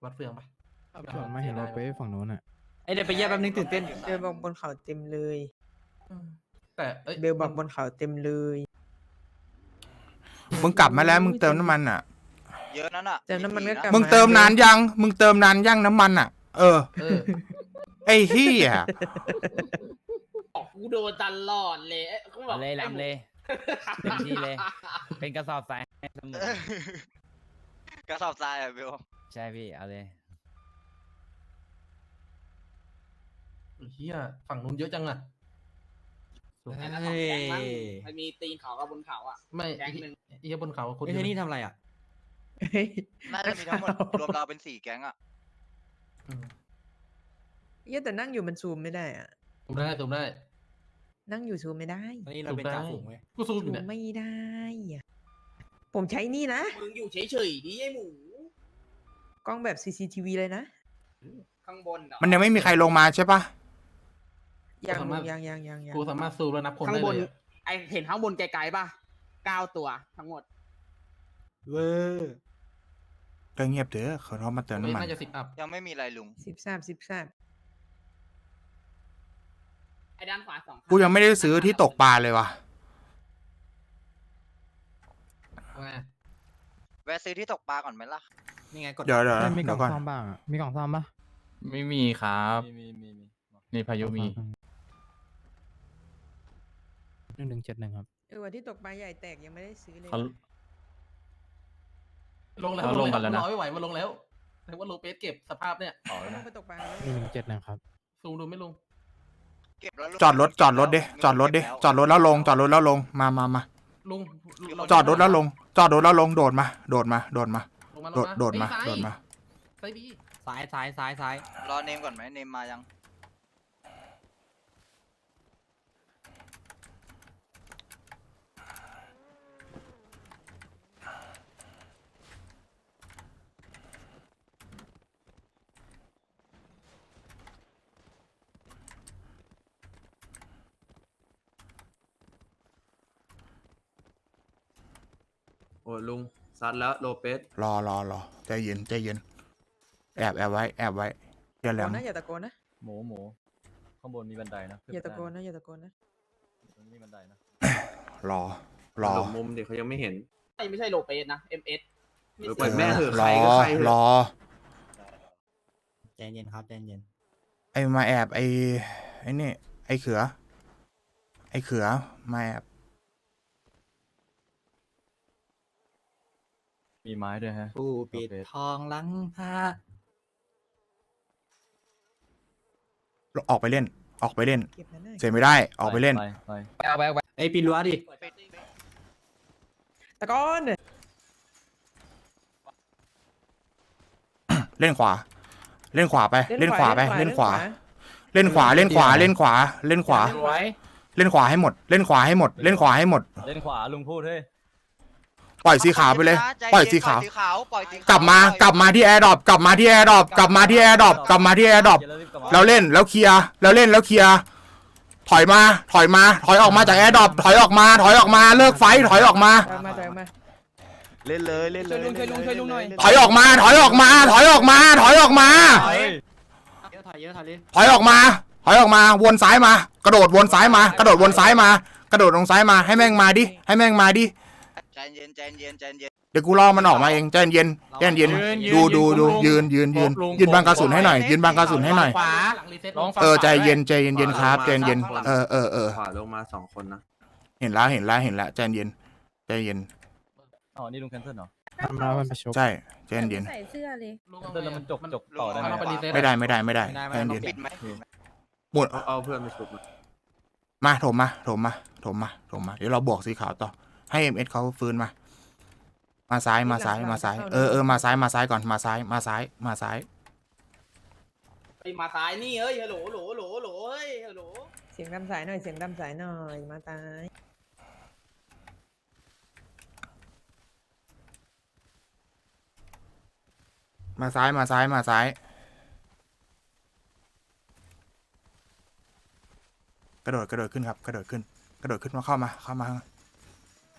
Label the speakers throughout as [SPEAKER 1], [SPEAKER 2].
[SPEAKER 1] วัดเฟืองปะ
[SPEAKER 2] ผมมาเห็นรถไปฝั่งนู้นอ่ะ
[SPEAKER 3] เอ้ยเดี๋ยวไปเยี่ยมแป๊บนึงตื่นเต้น
[SPEAKER 4] เบลบอกบนเขาเต็มเลย
[SPEAKER 1] แต่เอ้ย
[SPEAKER 4] เบลบอกบนเขาเต็มเลย
[SPEAKER 5] มึงกลับมาแล้วมึงเติมน้ำมันอ่ะ
[SPEAKER 6] เยอะนั่นอ่ะ
[SPEAKER 4] แต่น้ำมันก็กลับ
[SPEAKER 5] มึงเติมนานยังมึงเติมนานยังน้ำมันอ่ะ เออ
[SPEAKER 1] เออ
[SPEAKER 5] ไอ้เหี้ย
[SPEAKER 7] กูโดนตลอดเลยเขาบอก
[SPEAKER 3] เลยลำเลยเต็มที่เลย เป็นกระสอบทรายให้เสมอก
[SPEAKER 6] ระสอบทรายอ่ะเบล
[SPEAKER 3] ใช่พี่เอาเลย
[SPEAKER 1] เฮียฝั่งนู้นเยอะจังอะ
[SPEAKER 7] แต่ละสองแก๊งมั้งมันมีตีนเขากับบนเขาอ่ะ
[SPEAKER 1] ไม่
[SPEAKER 7] แก๊งหนึ่ง
[SPEAKER 1] เฮียบนเขาคน
[SPEAKER 3] เฮ้ยนี่ทำอะไรอ่ะ
[SPEAKER 4] เฮ้ย
[SPEAKER 6] น่าจะมีทั้งหมดรวมเราเป็น4 แก๊งอ่ะ
[SPEAKER 1] อืม
[SPEAKER 4] เหี้ยแต่นั่งอยู่มันซูมไม่ได้อะ
[SPEAKER 1] ซูมได้ซูมได้
[SPEAKER 4] นั่งอยู่ซูมไม่ได้
[SPEAKER 3] ตอนนี้เราเป็นจ่าฝูงเว้ย
[SPEAKER 1] กูซูมอ
[SPEAKER 4] ซู
[SPEAKER 1] ยู่
[SPEAKER 4] ม
[SPEAKER 1] เนี่ย
[SPEAKER 4] ไม่ได้อะผมใช้นี่นะ
[SPEAKER 7] มึงอยู่เฉยๆดิไอ้หมู
[SPEAKER 4] กล้องแบบ CCTV เลยนะ
[SPEAKER 7] ข้างบนเหรอ
[SPEAKER 5] มันยังไม่มีใครลงมาใช่ปะ
[SPEAKER 4] ยังยัง
[SPEAKER 1] กูสามารถซูมแล้วนับคน
[SPEAKER 7] ข้าง
[SPEAKER 1] ได้
[SPEAKER 7] บน
[SPEAKER 1] เลยอะ
[SPEAKER 7] ไอเห็นข้างบนไกลๆป่ะ9 ตัวทั้งหมด
[SPEAKER 3] เวอร์
[SPEAKER 5] ก็เงียบเถอะเขามาเติมน้ำมัน
[SPEAKER 1] น่าจะ10 อัพ
[SPEAKER 6] ยังไม่มีอะไรลุง
[SPEAKER 4] 13
[SPEAKER 7] ไอ้ด้านขวา2
[SPEAKER 5] กูยังไม่ได้ซื้อที่ตกปลาเลยว่ะ
[SPEAKER 1] ว่าไง
[SPEAKER 6] แวะซื้อที่ตกปลาก่อนไหมล่ะ
[SPEAKER 3] นี่ไงกด
[SPEAKER 5] เดี๋ยว
[SPEAKER 2] มีกล่
[SPEAKER 5] เดี๋
[SPEAKER 2] อย ง
[SPEAKER 5] วก่อน
[SPEAKER 2] ซ่อมบ้างอะมีกล่องซ่อมปะ
[SPEAKER 8] ไม่มีครับนี่พายุมี
[SPEAKER 2] 1171ครับ
[SPEAKER 4] วันที่ตกปลาใหญ่แตกยังไม่ได้ซื้อเลย
[SPEAKER 8] เขา
[SPEAKER 1] ลงแล้ว
[SPEAKER 8] เอาลงกันแล้วนะ
[SPEAKER 1] รอไม่ไหวมาลงแล้วแต่ว่าโลเปสเก็บสภาพเนี่ย
[SPEAKER 4] ลงไปตกปลาแล้ว
[SPEAKER 2] 1171ครับ
[SPEAKER 1] ซูมดูไม่ลง
[SPEAKER 6] เก็บแล้วลุง
[SPEAKER 5] จอดรถจอดรถดิจอดรถดิจอดรถแล้วลงจอดรถแล้วลงมา
[SPEAKER 1] ลุง
[SPEAKER 5] จอดรถแล้วลง จอดรถแล้วลงโดดมาโดดมา
[SPEAKER 1] ลงมา
[SPEAKER 5] โดดมา
[SPEAKER 1] เอ้ย
[SPEAKER 5] โดดมา
[SPEAKER 1] ซ้ายบี
[SPEAKER 3] ซ้าย
[SPEAKER 6] รอเนมก่อนไหมเนมมายัง
[SPEAKER 9] โอ้ลุงซัดแล้วโลเปส
[SPEAKER 5] รอใจเย็นใจเย็นแอบไว้อย่าแหล
[SPEAKER 4] โก
[SPEAKER 5] ม
[SPEAKER 4] นนะอย่าตะโกนนะ
[SPEAKER 8] หมูข้างบนมีบันไดนะ
[SPEAKER 4] อย่าตะโกนนะอย่าตะโกนนะ
[SPEAKER 8] มีบันไดนะ
[SPEAKER 5] รอ
[SPEAKER 9] หลบมุมเด็กเขายังไม่เห็น
[SPEAKER 7] ไม่ใช่โลเปสนะ MS
[SPEAKER 9] ปล่อยแม่เถอะ
[SPEAKER 5] ร
[SPEAKER 9] ใคร
[SPEAKER 5] อ
[SPEAKER 9] ก็ใครเถอะ
[SPEAKER 5] รอ
[SPEAKER 3] ใจเย็นครับใจเย็น
[SPEAKER 5] ไอ้มาแอบไอ้นี่ไอ้เขือมาแอบ
[SPEAKER 8] มีไม้ด้วยฮะ
[SPEAKER 3] ผู้ปิดทองหลังพระ
[SPEAKER 5] ออกไปเล่น
[SPEAKER 4] เก็บนั่นน่ะ
[SPEAKER 5] เสียไม่ได้ออกไปเล่น
[SPEAKER 8] ไป
[SPEAKER 3] เอาไป
[SPEAKER 9] ไอ้ปีนรั้วดิ
[SPEAKER 4] ตะโกน
[SPEAKER 5] เล่นขวาไปเล่นขวาไปเล่นขวา
[SPEAKER 4] ไว้
[SPEAKER 5] เล่นขวาให้หมดเล่นขวาให้หมด
[SPEAKER 8] เล่นขวาลุงพูดเฮ้ย
[SPEAKER 5] ปล่อยสีขาวไปเลย
[SPEAKER 6] ใจ
[SPEAKER 5] ปล่อย
[SPEAKER 6] เน
[SPEAKER 5] สีขาว
[SPEAKER 6] ปล่อยสีขาว
[SPEAKER 5] กลับมาที่แอร์ดรอปเราเล่นแล้วเคลียร์ถอยออกมาจากแอร์ดรอปถอยออกมาเลิกไฟถอยออกมา
[SPEAKER 4] มา
[SPEAKER 9] เล่นเลยเล่นเลย
[SPEAKER 7] ช่วยลุงหน่อย
[SPEAKER 5] ถอยออกมา
[SPEAKER 3] ถอยเยอะถอยเลย
[SPEAKER 5] ถอยออกมาวนซ้ายมากระโดดวนซ้ายมากระโดดลงซ้ายมาให้แม่งมาดิ
[SPEAKER 6] ใจเย็น
[SPEAKER 5] เดี๋ยวกูรอมันออกมาเองใจเย็นดูยืนบังกระสุนให้หน่อย
[SPEAKER 1] ขวาหลังรีเซ็ต
[SPEAKER 5] ใจเย็นครับใจเย็น
[SPEAKER 9] ขวาลงมา2 คนนะ
[SPEAKER 5] เห็นแล้วใจเย็น
[SPEAKER 8] อ๋อนี่ลุงแคนเซิลเหรอ
[SPEAKER 2] มันประชุม
[SPEAKER 5] ใช่ใจเย็น
[SPEAKER 10] ใส่เสื้อเลย
[SPEAKER 8] แคนเซิลแล้วมันจกต่อได้ไหม
[SPEAKER 1] มันเอาไปรีเซ็ต
[SPEAKER 5] ไม่ได้ใจเย็น
[SPEAKER 6] ปิดไหม
[SPEAKER 5] หมด
[SPEAKER 9] เอาเพื่อนมาชุบมา
[SPEAKER 5] มาโถมมาเดี๋ยวเราบวกสีขาวต่อให้ MS เขาฟื้นมาซ้ายมาซ้ายมาซ้ายก่อนมาซ้าย
[SPEAKER 7] ไปมาซ้ายนี่เฮ้ยฮัลโหลเฮ้ยฮัลโหล
[SPEAKER 4] เสียงดำสายหน่อยมาตาย
[SPEAKER 5] มาซ้ายกระโดดขึ้นครับกระโดดขึ้นมาเข้ามา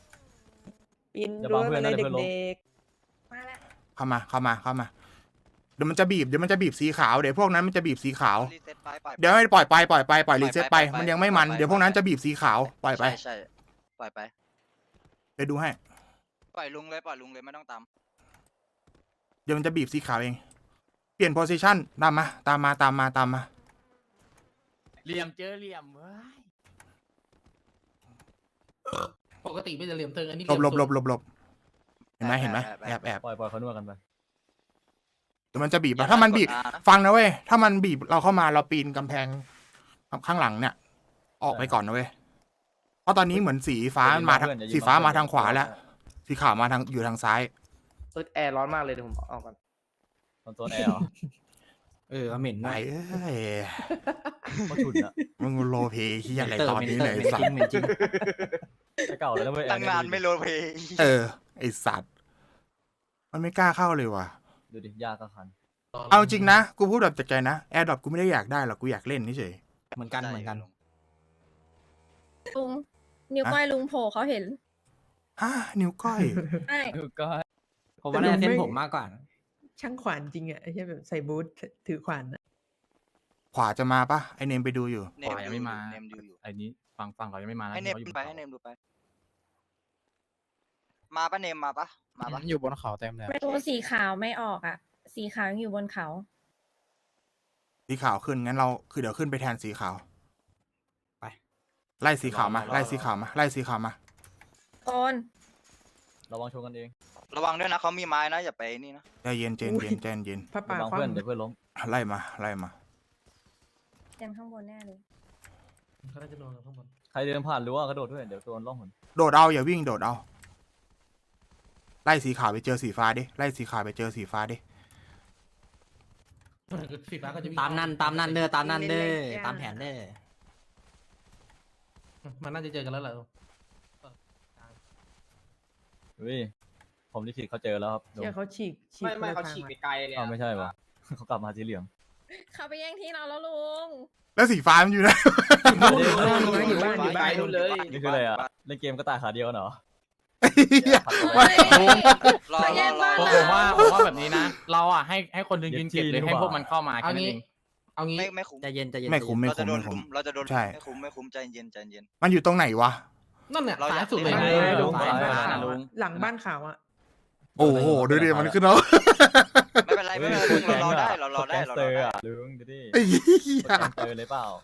[SPEAKER 4] ปีนรั้วมาเลยเด็ก
[SPEAKER 10] มาแล้ว
[SPEAKER 5] เข้ามาเดี๋ยวมันจะบีบสีขาวเดี๋ยวพวกนั้นมันจะบีบสีขาว
[SPEAKER 6] รีเซ็ตไปปล่อย
[SPEAKER 5] เดี๋ยวให้ปล่อยไปรีเซ็ตไป
[SPEAKER 6] ปล่อยไป
[SPEAKER 5] มันยังไม่มัน
[SPEAKER 6] ปล่อยไป
[SPEAKER 5] เดี๋ยวพวกนั้นจะบีบสีขาวปล่อยไป
[SPEAKER 6] ใช่ปล่อยไป
[SPEAKER 5] ไปดูให้
[SPEAKER 6] ปล่อยลุงเลยไม่ต้องตาม
[SPEAKER 5] เดี๋ยวมันจะบีบสีขาวเองเปลี่ยนโพซิชันตามมา
[SPEAKER 3] เหลี่ยมเจอเหลี่ยมเว้ย
[SPEAKER 1] ปกติไม่จะเหลี่ยมเทิงอันนี้
[SPEAKER 5] หลบ
[SPEAKER 1] เหลี่ยมสุด
[SPEAKER 5] เห็นไหมแอบ
[SPEAKER 8] ปล่อยเขานวดกันไป
[SPEAKER 5] เดี๋ยวมันจะบีบถ้ามันบีบ ฟังนะเว้ย ถ้ามันบีบเราเข้ามาเราปีนกำแพงข้างหลังเนี่ย ออกไปก่อนนะเว้ย เพราะตอนนี้เหมือนสีฟ้ามันมาทางสีฟ้ามาทางขวาแล้ว สีขาวมาทางอยู่ทางซ้าย
[SPEAKER 7] แอร์ร้อนมากเลยเดี๋ยวผมออกก่อน
[SPEAKER 8] ตอนโซนแอร์เหรอ
[SPEAKER 2] เหม็น
[SPEAKER 5] ไหนเอ้ย
[SPEAKER 8] เขาฉุนอะ
[SPEAKER 5] มึงโลเพที่อะไรตอนนี้ไหนสัตว์
[SPEAKER 8] แต่เก่าเลยนะเว้ยแอ
[SPEAKER 6] ตั้
[SPEAKER 8] ร์
[SPEAKER 6] ง
[SPEAKER 8] เนี่ย
[SPEAKER 6] นานไม่โรลเพลย์
[SPEAKER 5] ไอสัตว์ มันไม่กล้าเข้าเลยว่ะ
[SPEAKER 8] ดูดิยากก็คัน
[SPEAKER 5] เอาจริงนะ กูพูดแบบจากใจนะแอร์ดรอปกูไม่ได้อยากได้หรอก กูอยากเล่นเฉย
[SPEAKER 2] เหมือนกัน
[SPEAKER 10] ลุงนิ้วก้อยลุงโผล่เขาเห็น
[SPEAKER 5] ฮะนิ้วก้อย
[SPEAKER 10] ใช่
[SPEAKER 3] ก็
[SPEAKER 2] ผมว่าน่าจะเส้นผมมากกว่า
[SPEAKER 4] ช่างขวานจริงอ่ะไอ้เหี้ยแบบใส่บูทถือขวานอะ
[SPEAKER 5] ขวาจะมาปะไอเนมไปดูอยู่
[SPEAKER 8] ขวายังไม่มา
[SPEAKER 6] เนมดูอยู่
[SPEAKER 8] ไอ้นี้ฝั่งเรายังไม่มานะ
[SPEAKER 6] ให้เนม
[SPEAKER 8] ขาอยู่
[SPEAKER 6] ไปให้เนมดูไป มาปะเนมมาปะ
[SPEAKER 2] อยู่บนเขาเต็มเลย
[SPEAKER 10] ประตูสีขาวไม่ออกอ่ะ สีขาวยังอยู่บนเขา
[SPEAKER 5] สีขาวขึ้นงั้นเราคือเดี๋ยวขึ้นไปแทนสีขาว ไป ไล่สีขาวมา ไล่สีขาวมา
[SPEAKER 10] โกน
[SPEAKER 8] ระวังชนกันเอง
[SPEAKER 6] ระวังด้วยนะเขามีไม้นะอย่าไปนี่นะ
[SPEAKER 5] ใจเย็นเย็น
[SPEAKER 4] พระป่า
[SPEAKER 8] ระวัง
[SPEAKER 4] คว่
[SPEAKER 8] เพื่อนเดี๋ยวเพื่อนล้ม
[SPEAKER 5] ไล่มา
[SPEAKER 10] เต็มข้างบนแน่เลย
[SPEAKER 1] เขาน่าจะนอนกันข้างบน
[SPEAKER 8] ใครเดินผ่านรั้วกระโดดด้วยเดี๋ยวโดนล่องหน
[SPEAKER 5] โดดเอาอย่าวิ่งโดดเอา ไล่สีขาวไปเจอสีฟ้าดิ
[SPEAKER 1] สีฟ้าก็จะวิ่ง
[SPEAKER 2] ตามนั่นเด้อตามแผนเด้อ
[SPEAKER 1] มันน่าจะเจอกันแล้วแหละ
[SPEAKER 8] เฮ้ยผมลิขิตเขาเจอแล้วครับ
[SPEAKER 4] ำเชี่ยเขาฉีก
[SPEAKER 7] ไม่
[SPEAKER 4] คนละ
[SPEAKER 7] เขา
[SPEAKER 4] ท
[SPEAKER 7] ฉีก
[SPEAKER 4] ง
[SPEAKER 7] ไป
[SPEAKER 4] อะ
[SPEAKER 7] ไกลเลย
[SPEAKER 8] อ้าว
[SPEAKER 7] อะ
[SPEAKER 8] ไม่ใช่ปะ เขากลับมาสีเหลือง
[SPEAKER 10] เขาไปแย่งที่เราแล้วลุง
[SPEAKER 5] แล้วสีฟ้ามันอยู่ไหน
[SPEAKER 4] อยู่บ้าน
[SPEAKER 7] ไกลนู่นเลย
[SPEAKER 8] นี่คืออะไรอ่ะเล่นเกมก็ตายขาเดียวกันเหรอ
[SPEAKER 10] เฮ้ย
[SPEAKER 6] รอ
[SPEAKER 10] เขาแย่งบ้าน
[SPEAKER 8] ผมว่าแบบนี้นะ เราอ่ะให้คนหนึงยืนเก็บเลยให้พวกมันเข้ามา
[SPEAKER 1] เอา
[SPEAKER 8] แค่นั้น
[SPEAKER 1] งี้
[SPEAKER 8] เอง
[SPEAKER 1] เอางี้
[SPEAKER 6] ไม่คุ้ม
[SPEAKER 2] ใจเย็น
[SPEAKER 5] ไม่คุ้ม
[SPEAKER 6] เราจะโดนลุมเราจะโดน
[SPEAKER 5] ใช่
[SPEAKER 6] ไม่คุ้มใจเย็น
[SPEAKER 5] มันอยู่ตรงไหนวะ
[SPEAKER 1] นั่นเนี่ย
[SPEAKER 6] เราอาย
[SPEAKER 1] ซ้าย ยสุดเลย
[SPEAKER 6] เล่
[SPEAKER 1] นะ
[SPEAKER 6] น
[SPEAKER 8] ลุง
[SPEAKER 4] บ้าน
[SPEAKER 8] ไป
[SPEAKER 4] ขาว
[SPEAKER 8] นะลุ
[SPEAKER 4] อะ
[SPEAKER 8] ง
[SPEAKER 4] หลังบ้านขาวอ่ะ
[SPEAKER 5] โอ้โหดูดิมันขึ้นแล้ว
[SPEAKER 6] ไม่เป็นไรลุงเรารอได้เรารอได้
[SPEAKER 8] แก๊ง
[SPEAKER 6] เรา
[SPEAKER 8] เต
[SPEAKER 6] ร
[SPEAKER 8] อ
[SPEAKER 6] อ
[SPEAKER 8] ร์
[SPEAKER 6] ได้
[SPEAKER 8] อ่ะลุงดูดิ
[SPEAKER 5] ไอ้เหี้ย
[SPEAKER 8] แก๊งเตอร์เลยเปล่า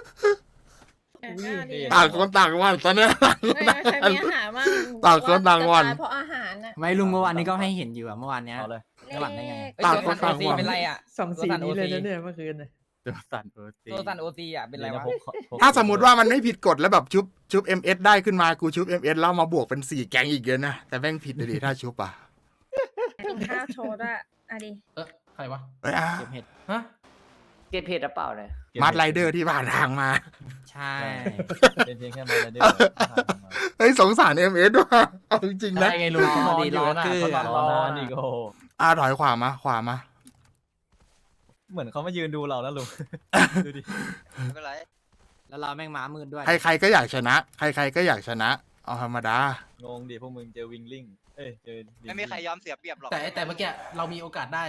[SPEAKER 5] ต่างคนต่างวันตอนเนี้ย
[SPEAKER 10] ไม่เคยมีอาหารมั่ง
[SPEAKER 5] ต่างคนต่างวัน
[SPEAKER 10] จะตยเพราะอาหารน่ะ
[SPEAKER 2] ไม่ลุงเมื่อวานนี้ก็ให้เห็นอยู่อะเมื่อวานเนี้ย
[SPEAKER 8] เอาเลย
[SPEAKER 2] ไม่หวั่นได้ไง
[SPEAKER 5] ต่างคนต่างหวัง
[SPEAKER 3] เป็นไรอ่ะ
[SPEAKER 4] สองสีนี้เลยนะเนี่ยเมื่อคืนน่ะ
[SPEAKER 8] เดี๋ยวสั่นเออ
[SPEAKER 3] ตัวสันโอซีอ่ะเป็นไรวะ
[SPEAKER 5] ถ้าสมมติว่ามันไม่ผิดกฎแล้วแบบชุบ MS ได้ขึ้นมากูชุบ MS แล้วมาบวกเป็น4แก๊งอีกเยอะนะ แต่แม่งผิดเลยดิถ้าชุบอ่ะ
[SPEAKER 10] กินข้าวโชว์ด้วยอ่ะดิ
[SPEAKER 1] ใครวะ
[SPEAKER 5] เอ้ยอ่ะ
[SPEAKER 2] เก็บเห็ด
[SPEAKER 1] ฮะ
[SPEAKER 7] เกตเพจหรือเปล่าเนี่ย
[SPEAKER 5] มาร์ทไรเดอร์ที่ผ่านทางมา
[SPEAKER 2] ใช่
[SPEAKER 8] เป็นเพียงแค่มาเดียว
[SPEAKER 5] เฮ้ยสงสาร MS ว่ะเอาจริงๆนะ
[SPEAKER 8] ได้ไงลุงเขานอนอยู่นะเขานอนอีกโอ้
[SPEAKER 5] ถอยขวามา
[SPEAKER 8] เหมือนเขามายืนดูเราแล้วลุงดูดิ
[SPEAKER 6] ไม่เป็นไร
[SPEAKER 2] แล้วเราแม่งม้ามืดด้วย
[SPEAKER 5] ใครๆก็อยากชนะ ใครๆก็อยากชนะ เอาธรรมดา
[SPEAKER 8] งงดิพวกมึงเจอวิงลิงเอ้ยเจอ
[SPEAKER 6] ไม่มีใครยอมเสียเปรียบหรอก
[SPEAKER 1] แต่เมื่อกี้เรามีโอกาสได้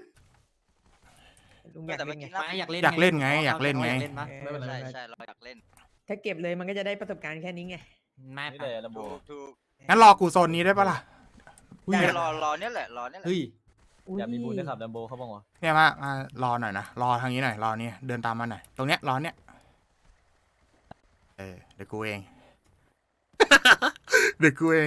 [SPEAKER 4] ลุงอยาก
[SPEAKER 6] แต่
[SPEAKER 4] เล่
[SPEAKER 6] เมื่อน
[SPEAKER 4] ไง
[SPEAKER 6] กี้นะ
[SPEAKER 2] ไม่อยากเล่น
[SPEAKER 5] อยากเล่นไงอยากเล่นไง
[SPEAKER 2] ปะ
[SPEAKER 4] เออ
[SPEAKER 6] ใช่เราอยากเล่น
[SPEAKER 4] ถ้าเก็บเลยมันก็จะได้ประสบการณ์แค่นี้ไง
[SPEAKER 2] ไม่
[SPEAKER 8] นี่
[SPEAKER 2] ปะ
[SPEAKER 8] แหละลำโบ
[SPEAKER 6] ถูก
[SPEAKER 5] งั้นรอกูโซนนี้ได้ปะล่ะ
[SPEAKER 6] รอเนี่ยแหละรอเนี่ยแหละ
[SPEAKER 2] เฮ้ย
[SPEAKER 8] อยากมีบุญนะครับลำโบเขาบอกว่า
[SPEAKER 5] เนี่ยมารอหน่อยนะ รอทางนี้หน่อย รอนี่เดินตามมาหน่อย ตรงเนี้ย รอเนี้ย เดี๋ยวกูเอง เดี๋ยวกูเอง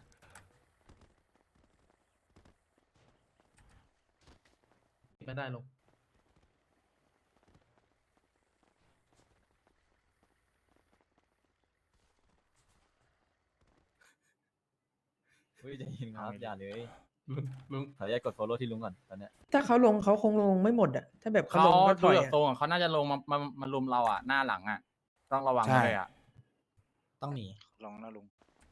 [SPEAKER 1] ไม่ได้ลง
[SPEAKER 8] เฮ้ยจะยินครับอย่าเลย
[SPEAKER 1] ลุง
[SPEAKER 8] ขออนุญาตกด follow ที่ลุงก่อนตอนเนี้ย
[SPEAKER 4] ถ้าเขาลงเขาคงลงไม่หมดอ่ะ ถ้าแบบเขา
[SPEAKER 8] เขา
[SPEAKER 4] ลงก็ถ
[SPEAKER 8] ดู
[SPEAKER 4] อย
[SPEAKER 8] แบบ
[SPEAKER 4] อะ
[SPEAKER 8] ทรงอะเขาน่าจะลงมาลุมเราอ่ะหน้าหลังอ่ะ ต้องระวัง
[SPEAKER 5] ใช่
[SPEAKER 8] เลยอ่ะ
[SPEAKER 2] ต้องหนี
[SPEAKER 6] ลองนะลุง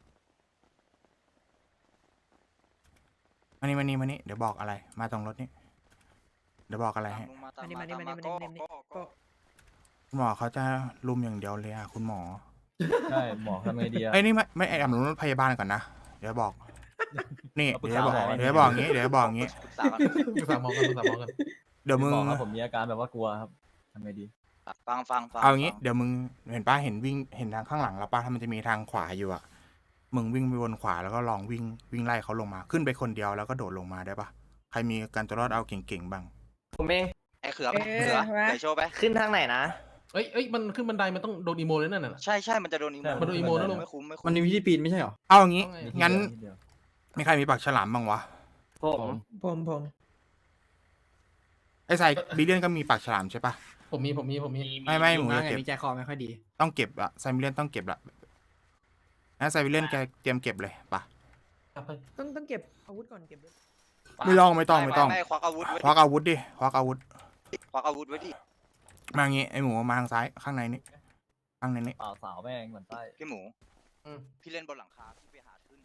[SPEAKER 5] มานี่เดี๋ยวบอกอะไร มาตรงรถนี่ เดี๋ยวบอกอะไรให้
[SPEAKER 6] ลุงมาตาม
[SPEAKER 4] มานี่
[SPEAKER 6] มา
[SPEAKER 4] มานี่
[SPEAKER 6] ตาม
[SPEAKER 4] มา
[SPEAKER 6] มา
[SPEAKER 4] นี่
[SPEAKER 6] ก็
[SPEAKER 4] มานี่
[SPEAKER 6] ก็
[SPEAKER 5] คุณหมอเขาจะลุมอย่างเดียวเลยคุณหมอ
[SPEAKER 8] ใช่หมอทำไงดีอ่ะ
[SPEAKER 5] เอ้ยนี่ไม่แอบรถพยาบาลก่อนนะ เดี๋ยวบอกนี่เดี๋ยวบอกงี้เดี๋ยวบอกงี้
[SPEAKER 6] ปรึกษากัน
[SPEAKER 1] ปรึกษาหมอกันปรึกษาหมอกัน
[SPEAKER 5] เดี๋ยวมึง
[SPEAKER 8] ผมมีอาการแบบว่ากลัวครับทำไงดี
[SPEAKER 6] ฟัง
[SPEAKER 5] เอางี้เดี๋ยวมึงเห็นป้าเห็นวิ่งเห็นทางข้างหลังแล้วป้าถ้ามันจะมีทางขวาอยู่อะมึงวิ่งไปวนขวาแล้วก็ลองวิ่งไล่เขาลงมาขึ้นไปคนเดียวแล้วก็โดดลงมาได้ปะใครมีการตัวรอดเอาเก่งๆบ้าง
[SPEAKER 7] ผมเอง
[SPEAKER 6] ไอ้เขือเดี๋ยวโชว์ไป
[SPEAKER 7] ขึ้นทางไหนนะ
[SPEAKER 1] เอ้ยมันขึ้นบันไดมันต้องโดนอีโมเลยนั่นน่ะ
[SPEAKER 6] ใช่มันจะโดนอีโม
[SPEAKER 1] มันโดนอีโมนะลุง
[SPEAKER 6] ไม่คุ้ม
[SPEAKER 2] มันมีวิธีปีนไม่ใช่หรอ
[SPEAKER 5] เอาอย่างงี้
[SPEAKER 1] เอาไง
[SPEAKER 5] งั้น
[SPEAKER 8] นิดเดียว
[SPEAKER 5] มีใครมีปากฉลามบ้างวะ
[SPEAKER 7] ผม
[SPEAKER 4] ผม
[SPEAKER 5] ไอ้ไซบิเลียนก็มีปากฉลามใช่ปะ
[SPEAKER 1] ผมมี
[SPEAKER 5] ไม่หมู
[SPEAKER 2] มา
[SPEAKER 5] จะ
[SPEAKER 2] ไง
[SPEAKER 5] เก็บ
[SPEAKER 2] มีใจคอไม่ค่อยดี
[SPEAKER 5] ต้องเก็บอะไซบิเลียนต้องเก็บละงั้นไซบิเลียนแกเตรียมเก็บเลยปะ
[SPEAKER 1] ครับไป
[SPEAKER 4] ต้องเก็บอาวุธก่อนเก็บด้วย
[SPEAKER 5] ไม่ต้อง
[SPEAKER 6] ไม่ควักอาวุธ
[SPEAKER 5] ควักอาวุธดิควักอาวุธ
[SPEAKER 6] ควักอาวุธไว้ดิ
[SPEAKER 5] มางี้ไอ้หมูมาทางซ้ายข้างในนี้ข้างในนี้
[SPEAKER 8] เปล่าสาวแม่งเหมือนไส้
[SPEAKER 6] พี่หมู
[SPEAKER 1] อืม
[SPEAKER 6] พี่เล่นบนหลังคาพี่ไปหาขึ้น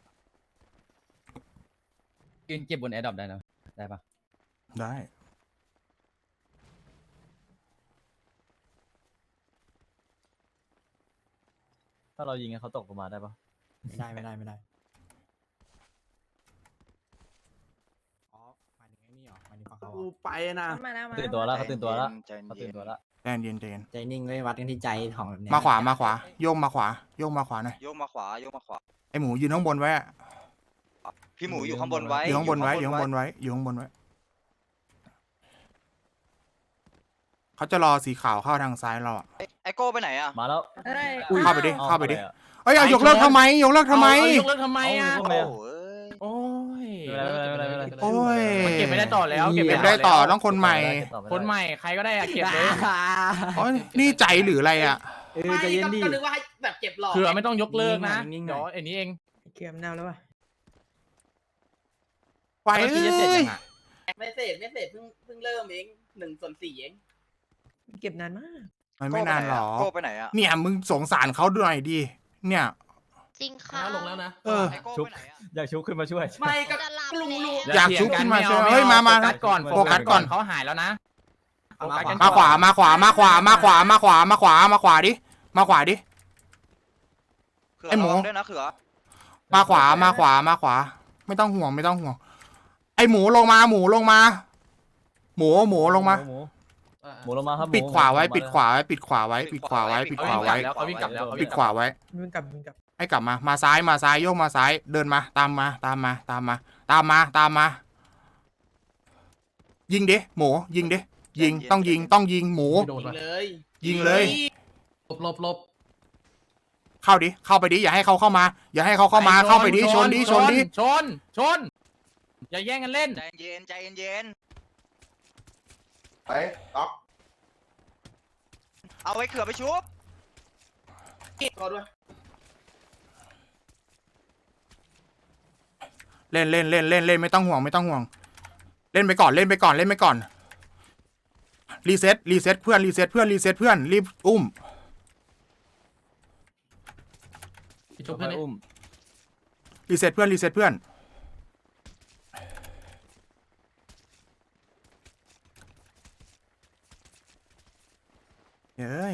[SPEAKER 3] ยืนเก็บบนแอร์ดรอปได้นะได้ปะ
[SPEAKER 5] ได้
[SPEAKER 8] ถ้าเรายิงให้เขาตกลงมาได้ปะ
[SPEAKER 2] ไม่ได้อ๋อหมายถึงไอ้นี่หรอหมายถึงฝั่งเขา
[SPEAKER 9] กูไปนะ
[SPEAKER 10] มาแล้ว
[SPEAKER 8] ตื่นตัวแล้วเขาตื่นตัวแล้ว
[SPEAKER 6] ใจ
[SPEAKER 8] เขา
[SPEAKER 6] เย็
[SPEAKER 8] ตื่
[SPEAKER 6] น
[SPEAKER 8] นตัวแล้ว
[SPEAKER 5] ใจเย็นใจเย็น
[SPEAKER 2] ใจนิ่งเลยวัดกันที่ใจของแบบเนี้ย
[SPEAKER 5] มาขวาโยกมาขวาหน่อย
[SPEAKER 6] โยกมาขวา
[SPEAKER 5] ไอ้หมูยืนข้างบนไว้อะ
[SPEAKER 6] พี่หมูอยู่ข้างบนไว้
[SPEAKER 5] อยู่ข้างบนไว้เขาจะรอสีขาวเข้าทางซ้ายเราอะ
[SPEAKER 6] ไอโก้ไปไหนอะ
[SPEAKER 8] มาแล้ว
[SPEAKER 10] เอ้ย
[SPEAKER 5] เข้าไปดิ
[SPEAKER 8] อ
[SPEAKER 5] เข้าไปดิ
[SPEAKER 8] อะ
[SPEAKER 5] เอ้ยเอายกเลิกทำไมยกเลิกทำไม
[SPEAKER 3] เอายกเลิกทำไมอ่ะ
[SPEAKER 8] เอา
[SPEAKER 6] โอ้ย
[SPEAKER 1] โอ้ย
[SPEAKER 8] ไม่เป็นไร
[SPEAKER 5] โอ้ย
[SPEAKER 3] มันเก็บไม่ได้ต่อแล้ว
[SPEAKER 5] เก็บได้ต่อต้องคนใหม่
[SPEAKER 8] เก็บต่อไม่ได้
[SPEAKER 3] คนใหม่ใครก็ได้อะเก็บเลย
[SPEAKER 5] โอ้ยนี่ใจหรืออะไรอะ
[SPEAKER 2] ใจเย็นดิ
[SPEAKER 7] ก็นึกว่าให้แบบเก็บหลอก
[SPEAKER 3] คือไม่ต้องยกเลิกนะ
[SPEAKER 2] นิ่งๆหน่
[SPEAKER 3] เดี๋ย
[SPEAKER 2] อ
[SPEAKER 3] วย ไอ้นี้เอง
[SPEAKER 4] เก็บมะนาวแล้ววะ
[SPEAKER 5] ไป
[SPEAKER 3] เมื่อกี้จะเสร็จ
[SPEAKER 5] เอ้ย
[SPEAKER 3] ยังอะ
[SPEAKER 7] ไม่เสร็จเพิ่งเริ่มเอง1/4เอง
[SPEAKER 4] เก็บนานมาก
[SPEAKER 5] มันไม่นานหรอ
[SPEAKER 6] โก้ไปไหนอะ
[SPEAKER 5] เนี่ยมึงสงสารเขาด้วยดิเนี่ย
[SPEAKER 10] จริงค่ะ
[SPEAKER 1] ลงแล้วนะ
[SPEAKER 5] เออ
[SPEAKER 6] ไอโก้ไปไหนอะ
[SPEAKER 8] อยากชุบขึ้นมาช่วย
[SPEAKER 7] ไม่ก็
[SPEAKER 10] จะหลับ
[SPEAKER 7] ลุง
[SPEAKER 10] แล้ว
[SPEAKER 5] อยากชุบขึ้นมาช่วย
[SPEAKER 3] ไ
[SPEAKER 5] เฮ้ยมา
[SPEAKER 3] โฟกัสก่อน
[SPEAKER 5] โฟกัสก่อน
[SPEAKER 3] เขาหายแล้วนะ
[SPEAKER 2] เอา
[SPEAKER 3] โฟกัสกัน
[SPEAKER 5] มาขวาดิมาขวาดิ
[SPEAKER 6] เขือ
[SPEAKER 5] ไอ้หมู
[SPEAKER 6] ระวังด้วยนะเขือ
[SPEAKER 5] มาขวา ไม่ต้องห่วง ไอหมูลงมา หมูลงมา
[SPEAKER 8] หมูลงมาครับ
[SPEAKER 5] ปิดขวาไว้
[SPEAKER 3] เขาวิ่งกลับแล้ว
[SPEAKER 5] ปิดขวาไว้
[SPEAKER 4] มันกลับ
[SPEAKER 5] ให้กลับมา มาซ้ายโยกมาซ้าย เดินมา ตามมา ยิงดิ หมู ยิงดิ ต้องยิง หมู
[SPEAKER 1] โดนว่ะ
[SPEAKER 7] เลย
[SPEAKER 5] ยิงเลย
[SPEAKER 1] หลบ
[SPEAKER 5] เข้าไปดิ อย่าให้เขาเข้ามา เข้าไปดิ ชนดิ
[SPEAKER 3] ชน อย่าแย่งกันเล่น
[SPEAKER 6] ใจเย็น
[SPEAKER 9] ไปต๊อก
[SPEAKER 6] เอาไว้เขือไปชุบ
[SPEAKER 7] รอด้วย
[SPEAKER 5] เล่นไม่ต้องห่วง เล่นไปก่อน รีเซ็ตเพื่อน รีบอุ้ม
[SPEAKER 1] ชุบเพื่อนนี่
[SPEAKER 5] รีเซ็ตเพื่อนเฮ้ย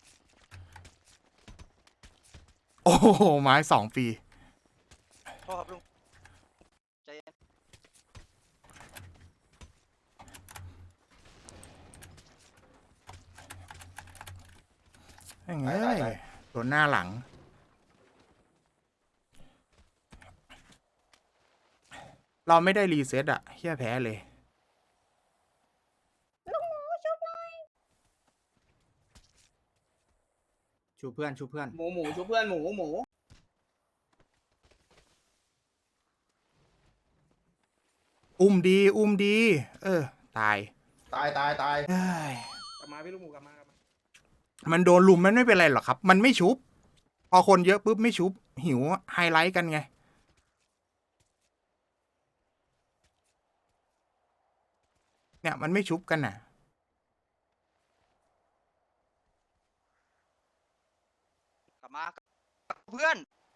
[SPEAKER 5] โอ้โห ไม้2 ปี
[SPEAKER 6] โทษครับลุงใจเย็น
[SPEAKER 5] เฮ้ยโดนหน้าหลัง เราไม่ได้รีเซ็ตอะเฮี้ยแพ้เลย
[SPEAKER 2] ชูเพื่อน
[SPEAKER 7] หมูชุบเพื่อนหมู
[SPEAKER 5] อุ้มดี ตาย
[SPEAKER 9] ตาย
[SPEAKER 5] เอ้ย
[SPEAKER 7] กลับมาพี่ลูกหมูกลับมา
[SPEAKER 5] มันโดนลุมมันไม่เป็นไรหรอกครับ มันไม่ชุบ พอคนเยอะปุ๊บไม่ชุบ หิวไฮไลท์กันไง เนี่ยมันไม่ชุบกันน่ะ
[SPEAKER 6] กลับมาเพื่อน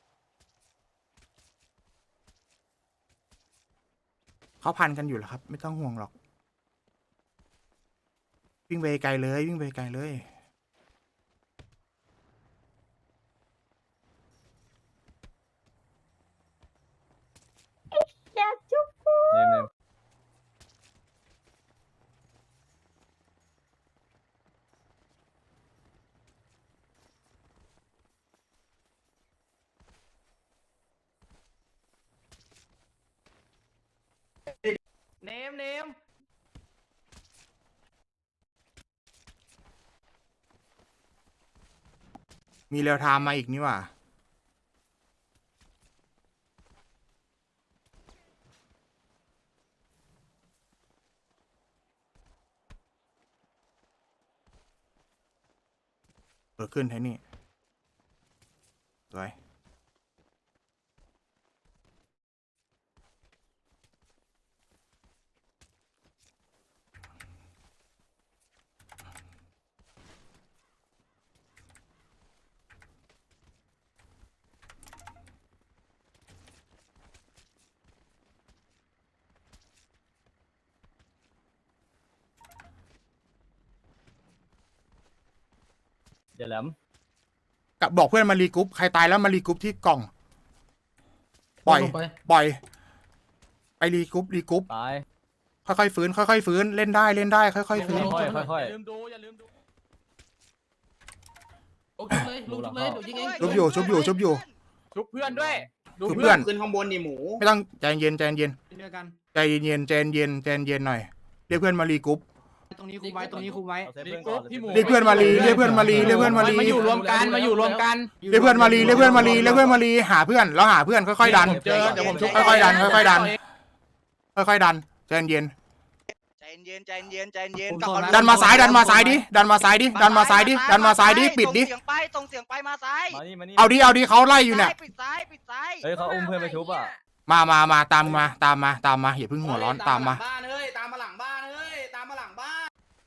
[SPEAKER 5] เขาพันกันอยู่แล้วครับ ไม่ต้องห่วงหรอก วิ่งไปไกลเลย
[SPEAKER 2] เนม
[SPEAKER 5] มีเรียวไทม์มาอีกนี่หว่าเปิดขึ้นให้นี่สวย
[SPEAKER 2] อย่าแหลม
[SPEAKER 5] กับบอกเพื่อนมารีกรุ๊ปใครตายแล้วมารีกรุ๊ปที่กล่อง ปล่อย
[SPEAKER 1] ลงไป
[SPEAKER 5] ปล่อย ไปรีกรุ๊ป
[SPEAKER 2] ตาย
[SPEAKER 5] ค่อยๆฟื้นค่อยๆฟื้นเล่นได้ค่อยๆฟื้น
[SPEAKER 2] ค่อย
[SPEAKER 3] อย่าลืมดูอย่าลืมดู
[SPEAKER 1] โอ้ชุบเลยลุงชุบเลยเดี๋ยวยิงเอง
[SPEAKER 5] ชุบอยู่
[SPEAKER 8] ชุบเพื่อนด้วย
[SPEAKER 5] ชุบเพื่อน
[SPEAKER 7] ขึ้นข้างบนนี่หมู
[SPEAKER 5] ไม่ต้องใจเย็นใจเย็น
[SPEAKER 2] เดียวกัน
[SPEAKER 5] ใจเย็นใจเย็นใจเย็นหน่อยเรียกเพื่อนมารีกรุ๊ป
[SPEAKER 2] ตรงนี้คุมไว้ตรงนี้คุมไว้
[SPEAKER 3] รีกรุ๊ปพี่หมู
[SPEAKER 5] เรียกเพื่อนมารีเรียกเพื่อนมารีเรียกเพื่อนมารี
[SPEAKER 3] มาอยู่รวมกันมาอยู่รวมกัน
[SPEAKER 5] เรียกเพื่อนมารีเรียกเพื่อนมารีเรียกเพื่อนมารีหาเพื่อนแล้วหาเพื่อนค่อยๆดัน
[SPEAKER 3] เจอเดี๋ยวผมชุบ
[SPEAKER 5] ค่อยๆดันค่อยๆดันค่อยๆดันใจเย็น
[SPEAKER 6] ใจเย็นใจเย็นใจเย็น
[SPEAKER 5] ดันมาซ้ายดิดันมาซ้ายดิดันมาซ้ายดิปิดดิ
[SPEAKER 6] ส่งเสียงไปส่งเสียงไปมาซ้าย
[SPEAKER 2] มานี่
[SPEAKER 5] เอาดิเขาไล่อยู่เนี่ย
[SPEAKER 6] ปิดซ้ายปิดซ้าย
[SPEAKER 2] เฮ้ยเขาอุ้มเพื่อนไปชุบอ่ะ
[SPEAKER 5] มาตามมาอย่าเพิ่งหัวร้อนตามมา
[SPEAKER 7] บ้านเฮ้ยตามมาหลังบ้านเฮ้ยตามมาหลังบ้าน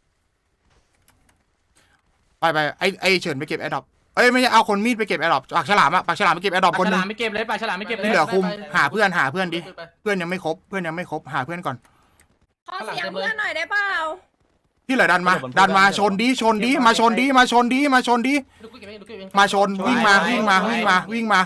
[SPEAKER 5] ไปไอเฉินไปเก็บแอร์ดรอปเอ้ยไม่ใช่เอาคนมีดไปเก็บแอร์ดรอปปากฉลามไปเก็บแอร์ดรอป
[SPEAKER 3] ปลา
[SPEAKER 5] คน
[SPEAKER 3] ฉ
[SPEAKER 5] นึ
[SPEAKER 3] ลาง มไม่เก็บเลยปลาฉลามไม่เก็บเลย
[SPEAKER 5] ที่เหลือคุมหาเพื่อนดิ
[SPEAKER 1] ไป
[SPEAKER 5] เพื่อนยังไม่ครบหาเพื่อนก่อน
[SPEAKER 10] ขอเสียงเพื่อนหน่อยได้เปล่า
[SPEAKER 5] ที่เหลือดันมาชนดิมาชนดิ
[SPEAKER 1] ลุกเก็บเองลุกเก็บเอง
[SPEAKER 5] มาชนวิ่งมา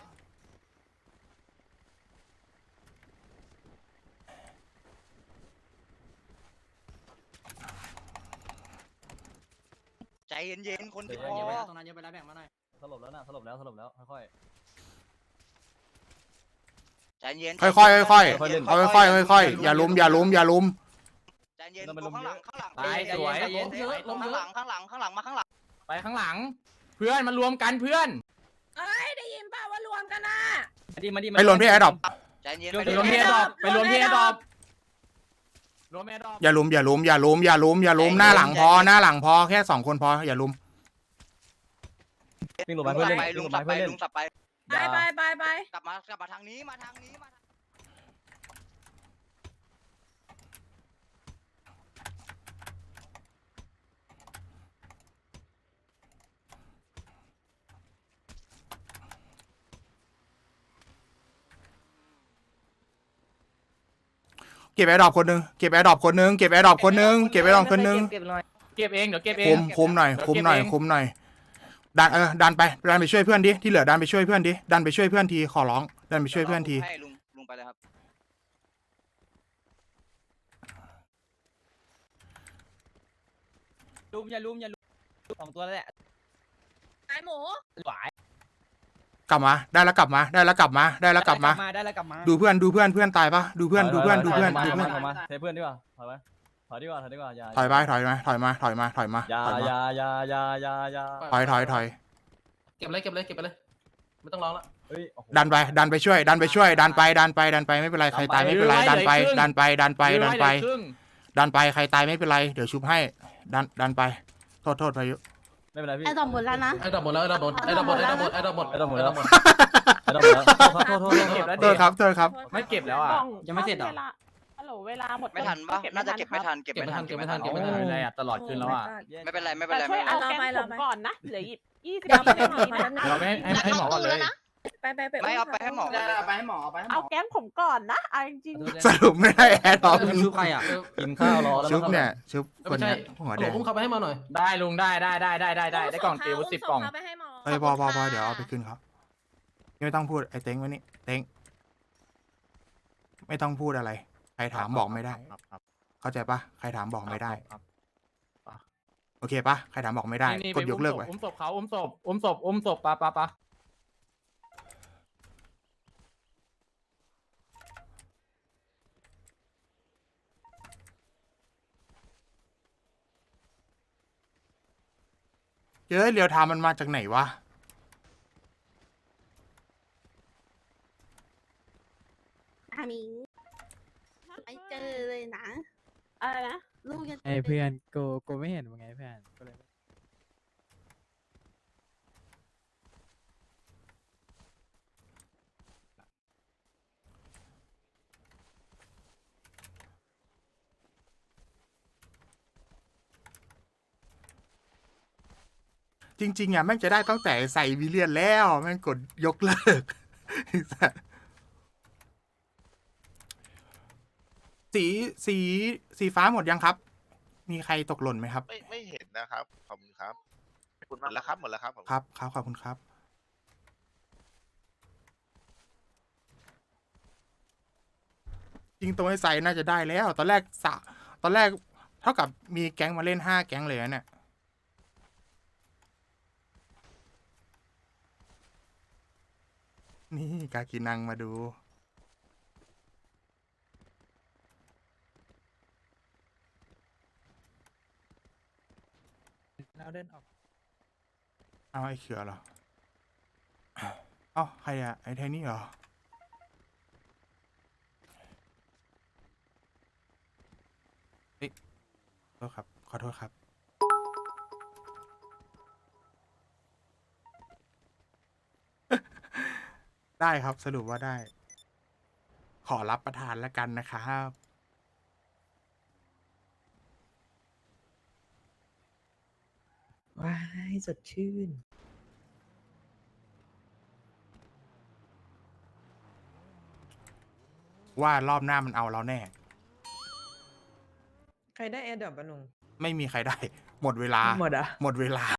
[SPEAKER 6] ใจเย็นคน
[SPEAKER 2] เดี๋
[SPEAKER 6] ที่
[SPEAKER 2] ยว
[SPEAKER 6] พ
[SPEAKER 2] เยอะไป
[SPEAKER 6] อ
[SPEAKER 2] แล้วตรงนั้นเยอะไปแล้วแบ่งมาหน่อยสลบแล้วค่อย
[SPEAKER 6] ใจเย็น
[SPEAKER 5] ค่อยๆอย่าล้ม
[SPEAKER 6] ใจเย็นข้างหลัง
[SPEAKER 3] ตายสวย
[SPEAKER 1] ล้มเยอะล้ม
[SPEAKER 6] ข้าง
[SPEAKER 1] เย
[SPEAKER 6] หลั
[SPEAKER 1] อะ
[SPEAKER 6] งข้างหลังมาข้างหลัง
[SPEAKER 3] ไปข้างหลัง เพื่อนมารวมกันเพื่อน
[SPEAKER 10] เอ้ยได้ยินเปล่าว่ารวมกันนะ
[SPEAKER 2] มาดิ
[SPEAKER 5] ไปหล่นที่แอร์ดรอป
[SPEAKER 6] ใจเย็น
[SPEAKER 3] ไปรวมที่แอร์ดรอปไปรวมที่แอร์ดรอปรวมแอร์ดรอป
[SPEAKER 5] อย่าล้มหน้าหลังพอแค่2คนพออย่าล้ม
[SPEAKER 2] วิ่งลงไปเพื่อนเล่น
[SPEAKER 6] ลุงสับไปลุงสับไป
[SPEAKER 10] ไป
[SPEAKER 6] กลับมาทางนี้มาทางนี้
[SPEAKER 5] เก็บแอร์ดรอปคนนึงเก็บแอร์ดรอปคนนึง
[SPEAKER 3] เก็บเองเดี๋ยวเก็บเอง
[SPEAKER 5] คุมหน่อยดันไปช่วยเพื่อนดิที่เหลือดันไปช่วยเพื่อนดิดันไปช่วยเพื่อนทีขอร้องดันไปช่วยเพื่อนที
[SPEAKER 6] ให้ลุงไปเลยครับ
[SPEAKER 3] อย่าลุมสองตัวแล้วแหละ
[SPEAKER 10] ไอหมู
[SPEAKER 3] หวาย
[SPEAKER 5] กลับมาได้แล้วกลับมา
[SPEAKER 3] ได้แล้วกลับมา
[SPEAKER 5] ดูเพื่อนตายปะดูเพื่อน
[SPEAKER 2] เทเพื่อนดีกว่าถอยดีกว่าอย่า
[SPEAKER 5] ถอยมาอย่า
[SPEAKER 3] ถอย
[SPEAKER 5] ถอย
[SPEAKER 1] เก็บเลยไม่ต้องร้องละ
[SPEAKER 2] เฮ้ย
[SPEAKER 5] ดันไปช่วยดันไปไม่เป็นไรใครตายไม่เป็นไรดันไปใครตายไม่เป็นไรเดี๋ยวชุบให้ดันไปโทษพายุ
[SPEAKER 2] ไม่เป็นไรพี่
[SPEAKER 10] ไอดอมหมดแล้วนะ
[SPEAKER 1] ไอ้ดอกหมดแล้วไอ้ดอกหมดไอ้ดอกหมดโทษ
[SPEAKER 2] โทษ
[SPEAKER 5] ครับ
[SPEAKER 3] ไม่เก็บแล้วอ่ะ
[SPEAKER 2] ยังไม่เสร็จหรอ
[SPEAKER 10] ฮัลโหลเวลาหมด
[SPEAKER 6] ไม่ทันปะน่าจะเก็บไม่ทัน
[SPEAKER 1] เก็บไม่ทัน
[SPEAKER 3] อะไรอ่ะตลอดคืนแล้วอ่ะ
[SPEAKER 6] ไม่เป็นไร
[SPEAKER 10] ช่วยเอาแกงผมก่อนนะเหลือ20
[SPEAKER 3] เราไม่ให้หมอก่อนเลย
[SPEAKER 10] ไป
[SPEAKER 6] ไม่เอาไปให้หมอ
[SPEAKER 7] ไปให้หมอไปให้หมอ
[SPEAKER 10] เอาแกงผมก่อนนะเอาจริง
[SPEAKER 5] สรุปไม่ได้แอร์ดรอป
[SPEAKER 2] ชุบใครอ่ะกินข้าวรอแล้ว
[SPEAKER 5] ชุบเนี่ยชุบคน
[SPEAKER 1] ไม่ใช่
[SPEAKER 5] เนี้ยหัว
[SPEAKER 1] ห
[SPEAKER 5] แด
[SPEAKER 1] ล
[SPEAKER 5] ง
[SPEAKER 1] อุ้มเขาไปให้มาหน่อย
[SPEAKER 3] ได้ลุงได้ได้กล่องเตียว10 กล่อง
[SPEAKER 10] ไปให้หมอ
[SPEAKER 5] เอ้ยพอเดี๋ยวเอาไปคืนเขาไม่ต้องพูดไอ้เต็งไว้นี่เต็งไม่ต้องพูดอะไรรถามบอกไม่ได้
[SPEAKER 8] ครับครับ
[SPEAKER 5] เข้าใจปะใครถามบอกไม่ได้
[SPEAKER 8] ครับ
[SPEAKER 5] โอเคปะใครถามบอกไม่ได้
[SPEAKER 8] นี่
[SPEAKER 5] กดยกเลิกไว้
[SPEAKER 8] อุ้มศพเขาอุ้มศพปะ
[SPEAKER 5] เฮ้ยเรียวไทม์มันมาจากไหนวะ
[SPEAKER 10] อันนี้ไม่เจอเลยนะ อะไรนะ ลูกยัง
[SPEAKER 3] ไอ้เพื่อนกูไม่เห็นมึงไงเพื่อนก็เลย
[SPEAKER 5] จริงๆอ่ะแม่งจะได้ตั้งแต่ใส่วิเลียนแล้วแม่งกดยกเลิก สีสีสีฟ้าหมดยังครับ มีใครตกหล่นไหมครับ
[SPEAKER 6] ไม่เห็นนะครับ ขอบคุณครับ
[SPEAKER 9] คุณ
[SPEAKER 6] หมดแล้วครับ หมดแล้วครับ
[SPEAKER 5] ครับขอบคุณครับ จริงตัวไอ้ใส่น่าจะได้แล้ว ตอนแรกเท่ากับมีแก๊งมาเล่น5 แก๊งเลยนะเนี่ย นี่กากินังมาดู
[SPEAKER 3] เราเดินออก
[SPEAKER 5] เอาไอ้เขือเหรอ เอ้าใครอะไอ้ไทนี่เหรอ เฮ้ยขอโทษครับ ขอโทษครับ ได้ครับสรุปว่าได้ ขอรับประทานแล้วกันนะครับ
[SPEAKER 4] ว้ายสดชื่น
[SPEAKER 5] ว่ารอบหน้ามันเอาเราแน่
[SPEAKER 4] ใครได้แอร์ดรอปบ้านุง
[SPEAKER 5] ไม่มีใครได้ หมดเวลา
[SPEAKER 4] หมดอ่ะ
[SPEAKER 5] หมดเวลา